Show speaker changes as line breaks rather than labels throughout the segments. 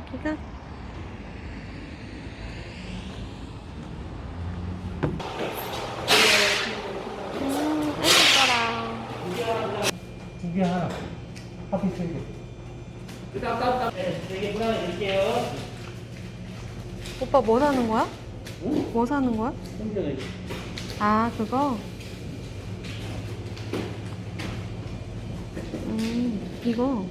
여기가 애기 거랑.
두 개 하나. 커피 세 개. 네, 3개 보내드릴게요.
오빠 뭐 사는 거야?
응?
뭐 사는 거야?
손전에.
아, 그거? 이거.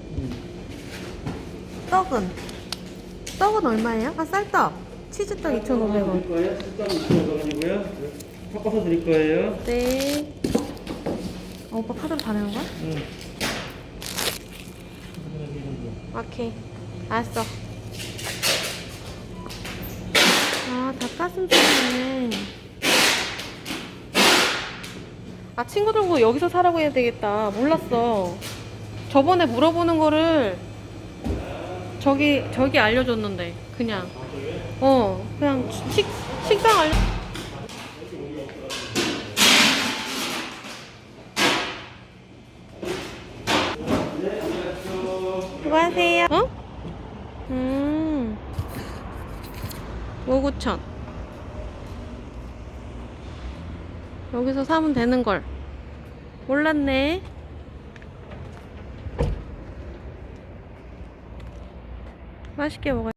떡은 얼마예요? 아, 쌀떡. 치즈떡 2,500원.
드릴 거예요. 숫자 2,500원이고요. 섞어서 드릴 거예요.
네. 오빠 카드로 다 내는 거야?
응.
오케이. 알았어. 아, 닭가슴살이네. 아, 친구들 보고 여기서 사라고 해야 되겠다. 몰랐어. 저번에 물어보는 거를 저기 알려줬는데. 그냥. 그냥 식당 알려. 수고하세요. 5,900. 여기서 사면 되는 걸. 몰랐네. 맛있게 먹어요.